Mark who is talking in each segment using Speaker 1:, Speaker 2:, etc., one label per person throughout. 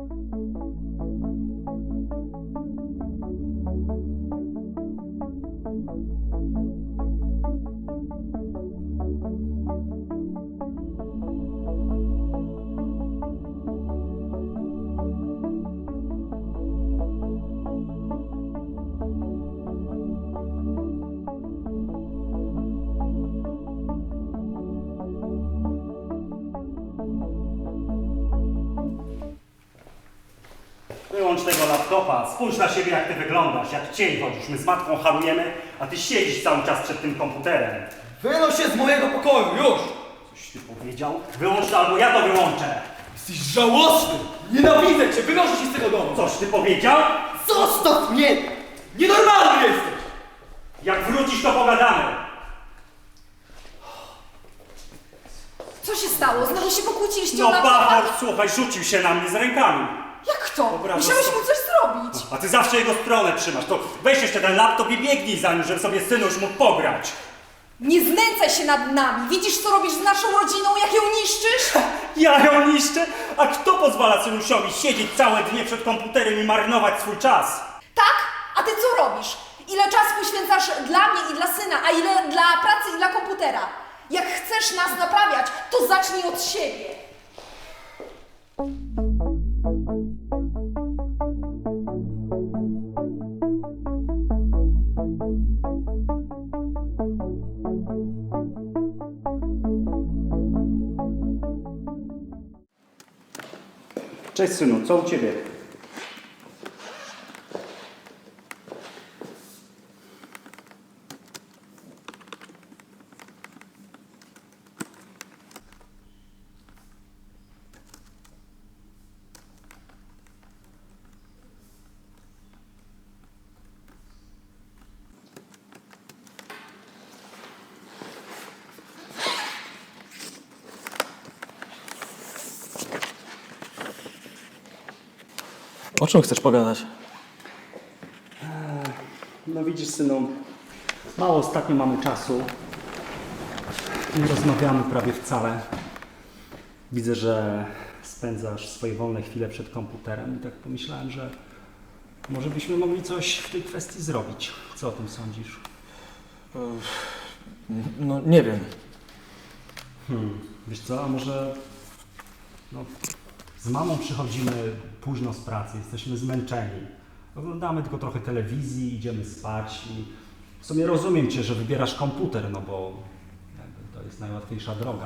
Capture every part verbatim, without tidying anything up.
Speaker 1: Wyłącz tego laptopa, spójrz na siebie, jak ty wyglądasz, jak cień chodzisz. My z matką harujemy, a ty siedzisz cały czas przed tym komputerem.
Speaker 2: Wynoś się z mojego pokoju, już!
Speaker 1: Coś ty powiedział? Wyłącz to, albo ja to wyłączę.
Speaker 2: Jesteś żałosny! Nienawidzę cię! Wynoszę się z tego domu!
Speaker 1: Coś ty powiedział?
Speaker 2: Zostaw mnie! Nienormalny jesteś!
Speaker 1: Jak wrócisz, to pogadamy.
Speaker 3: Co się stało? Znowu się pokłóciliście
Speaker 1: No
Speaker 3: o laptopa?
Speaker 1: Bafor, słuchaj, rzucił się na mnie z rękami.
Speaker 3: Jak to?
Speaker 1: Dobra,
Speaker 3: Musiałeś
Speaker 1: no-
Speaker 3: mu coś zrobić.
Speaker 1: A ty zawsze jego stronę trzymasz. To weź jeszcze ten laptop i biegnij za nim, żeby sobie synuś mógł pograć.
Speaker 3: Nie znęcaj się nad nami. Widzisz, co robisz z naszą rodziną, jak ją niszczysz?
Speaker 1: Ja ją niszczę? A kto pozwala synusiowi siedzieć całe dnie przed komputerem i marnować swój czas?
Speaker 3: Tak? A ty co robisz? Ile czasu poświęcasz dla mnie i dla syna, a ile dla pracy i dla komputera? Jak chcesz nas naprawiać, to zacznij od siebie.
Speaker 1: Cześć synu, co u ciebie?
Speaker 4: O czym chcesz pogadać?
Speaker 1: No widzisz synu, mało ostatnio mamy czasu. Nie rozmawiamy prawie wcale. Widzę, że spędzasz swoje wolne chwile przed komputerem i tak pomyślałem, że może byśmy mogli coś w tej kwestii zrobić. Co o tym sądzisz?
Speaker 4: No nie wiem.
Speaker 1: Hmm, wiesz co, a może no, z mamą przychodzimy późno z pracy, jesteśmy zmęczeni. Oglądamy tylko trochę telewizji, idziemy spać i w sumie rozumiem cię, że wybierasz komputer, no bo jakby to jest najłatwiejsza droga.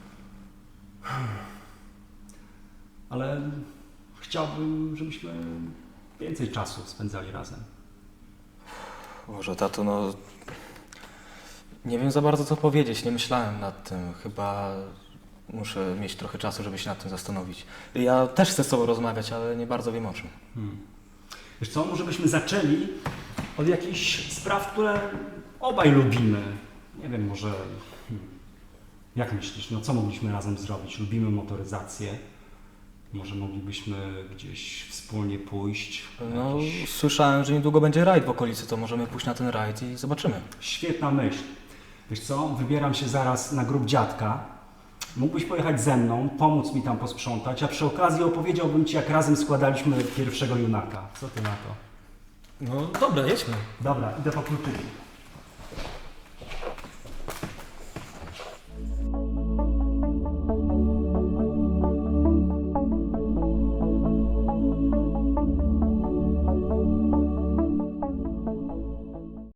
Speaker 1: Ale chciałbym, żebyśmy więcej czasu spędzali razem.
Speaker 4: Boże, tato, no... Nie wiem za bardzo co powiedzieć, nie myślałem nad tym. Chyba muszę mieć trochę czasu, żeby się nad tym zastanowić. Ja też chcę z tobą rozmawiać, ale nie bardzo wiem o czym.
Speaker 1: Hmm. Wiesz co, może byśmy zaczęli od jakichś spraw, które obaj lubimy. Nie wiem, może... Hmm. Jak myślisz, no co mogliśmy razem zrobić? Lubimy motoryzację. Może moglibyśmy gdzieś wspólnie pójść.
Speaker 4: No,
Speaker 1: Jakiś...
Speaker 4: słyszałem, że niedługo będzie rajd w okolicy, to możemy pójść na ten rajd i zobaczymy.
Speaker 1: Świetna myśl. Wiesz co, wybieram się zaraz na grób dziadka. Mógłbyś pojechać ze mną, pomóc mi tam posprzątać, a przy okazji opowiedziałbym ci, jak razem składaliśmy pierwszego junaka. Co ty na to?
Speaker 4: No dobra, jedźmy.
Speaker 1: Dobra, idę po kluczyki.